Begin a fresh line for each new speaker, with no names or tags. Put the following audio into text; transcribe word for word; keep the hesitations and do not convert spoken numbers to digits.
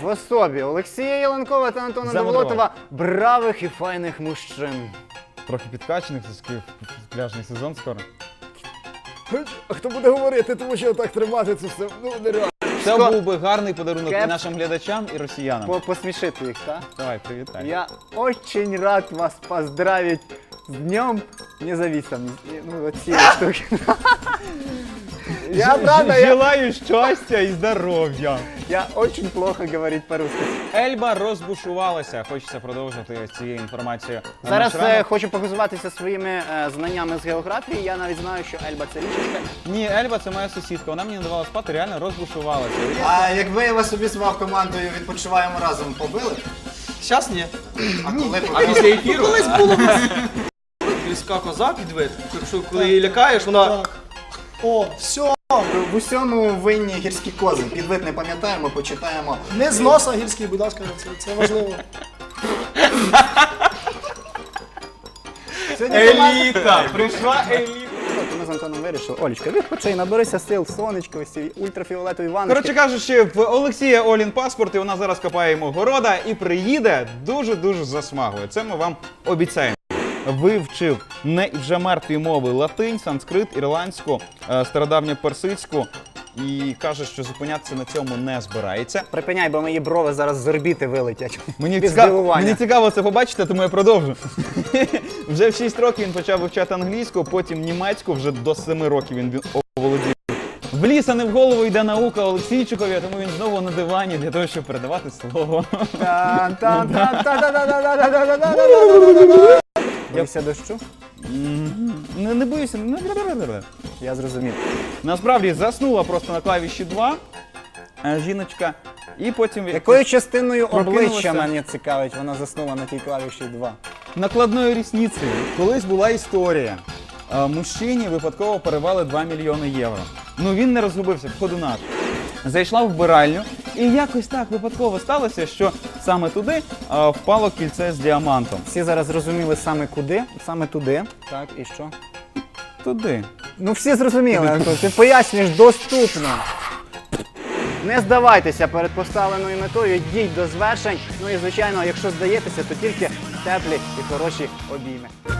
в особі Олексія Єленкова та Антона Довлотова бравих і файних мужчин.
Трохи підкачаних, це пляжний сезон скоро.
А хто буде говорити, тому що так тримати це все, ну нереально.
Це був би гарний подарунок
Кеп.
і нашим глядачам, і росіянам.
По Посмішити їх, так?
Давай, привітай.
Я очень рад вас поздравить с Днем Независимости. Ну, вот все штуки. Я правда, я,
Желаю щастя і здоров'я.
я очень плохо говорить по-русски.
Ельба розбушувалася. Хочеться продовжити цією інформацією. на
Зараз
наш
е,
ранок.
хочу похизуватися своїми е, знаннями з географії. Я навіть знаю, що Ельба це річечка.
Ні, Ельба це моя сусідка. Вона мені не давала спати, реально розбушувалася.
А якби я вас собі звав командою «Відпочиваємо разом», побили?
Щас ні.
А коли
А
побили?
після ефіру? Колись було. Гірська коза підвид. Якщо коли її лякаєш, вона...
О, все,
В усьому винні гірські кози. Підвид не пам'ятаємо, почитаємо.
не з носа гірський, будь ласка, це, це важливо.
Еліта! Прийшла еліта!
От ми з Антоном вирішили. Олечка, відпочинь, наберися сил, сонечко, ось ці ультрафіолетові ванночки.
Коротше кажучи, в Олексія Олін паспорт, і вона зараз копає йому города і приїде дуже-дуже засмагою. Це ми вам обіцяємо. Вивчив не вже мертві мови латинь, санскрит, ірландську, е, стародавню персидську і каже, що зупинятися на цьому не збирається.
Припиняй, бо мої брови зараз з орбіти вилетять.
Мені
Від
цікаво,
здивування.
мені цікаво це побачити, тому я продовжу. Вже в шість років він почав вивчати англійську, потім німецьку, вже до семи років він оволодів. В ліс, а не в голову йде наука Олексійчикові, тому він знову на дивані для того, щоб передавати слово.
Боїшся дощу?
Не, не боюся. не-
Я зрозумів.
Насправді заснула просто на клавіші два е, жіночка, і потім
Якою частиною
Прокинулася.
обличчя мене цікавить, вона заснула на тій клавіші два.
накладною рісницею. Колись була історія. Е, Мужчині випадково перевели два мільйони євро. Ну він не розгубився, ходунаш. Зайшла в вбиральню, і якось так випадково сталося, що саме туди е, впало кільце з діамантом.
Всі зараз зрозуміли саме куди, саме туди. Так, і що?
Туди.
Ну всі зрозуміли, Антон, ти пояснюєш доступно. Не здавайтеся перед поставленою метою, йдіть до звершень. Ну і звичайно, якщо здаєтеся, то тільки теплі і хороші обійми.